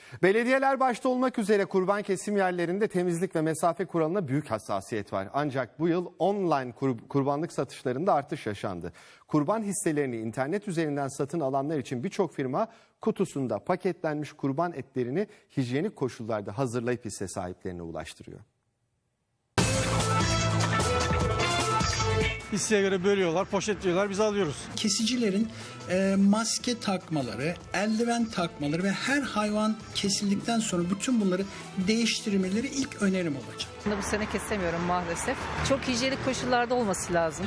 Belediyeler başta olmak üzere kurban kesim yerlerinde temizlik ve mesafe kuralına büyük hassasiyet var. Ancak bu yıl online kurbanlık satışlarında artış yaşandı. Kurban hisselerini internet üzerinden satın alanlar için birçok firma kutusunda paketlenmiş kurban etlerini hijyenik koşullarda hazırlayıp hisse sahiplerine ulaştırıyor. Hisseye göre bölüyorlar, poşetliyorlar, biz alıyoruz. Kesicilerin maske takmaları, eldiven takmaları ve her hayvan kesildikten sonra bütün bunları değiştirmeleri ilk önerim olacak. Bu sene kesemiyorum maalesef. Çok hijyenik koşullarda olması lazım.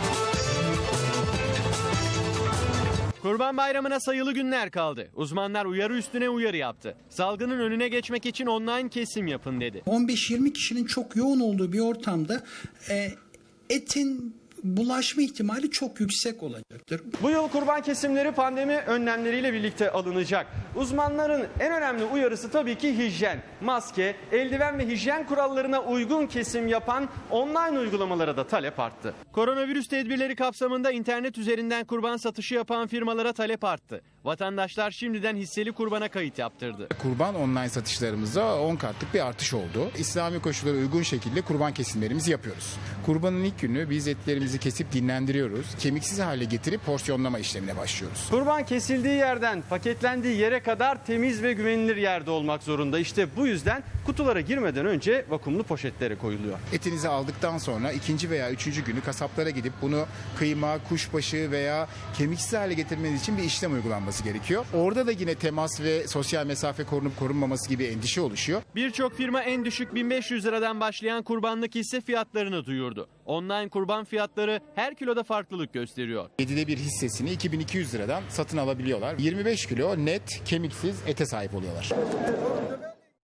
Kurban Bayramı'na sayılı günler kaldı. Uzmanlar uyarı üstüne uyarı yaptı. Salgının önüne geçmek için online kesim yapın dedi. 15-20 kişinin çok yoğun olduğu bir ortamda etin bulaşma ihtimali çok yüksek olacaktır. Bu yıl kurban kesimleri pandemi önlemleriyle birlikte alınacak. Uzmanların en önemli uyarısı tabii ki hijyen. Maske, eldiven ve hijyen kurallarına uygun kesim yapan online uygulamalara da talep arttı. Koronavirüs tedbirleri kapsamında internet üzerinden kurban satışı yapan firmalara talep arttı. Vatandaşlar şimdiden hisseli kurbana kayıt yaptırdı. Kurban online satışlarımızda 10 katlık bir artış oldu. İslami koşullara uygun şekilde kurban kesimlerimizi yapıyoruz. Kurbanın ilk günü biz etlerimizi kesip dinlendiriyoruz. Kemiksiz hale getirip porsiyonlama işlemine başlıyoruz. Kurban kesildiği yerden paketlendiği yere kadar temiz ve güvenilir yerde olmak zorunda. İşte bu yüzden kutulara girmeden önce vakumlu poşetlere koyuluyor. Etinizi aldıktan sonra ikinci veya üçüncü günü kasaplara gidip bunu kıyma, kuşbaşı veya kemiksiz hale getirmeniz için bir işlem uygulanması gerekiyor. Orada da yine temas ve sosyal mesafe korunup korunmaması gibi endişe oluşuyor. Birçok firma en düşük 1500 liradan başlayan kurbanlık hisse fiyatlarını duyurdu. Online kurban fiyatları her kiloda farklılık gösteriyor. 7'de bir hissesini 2200 liradan satın alabiliyorlar. 25 kilo net kemiksiz ete sahip oluyorlar.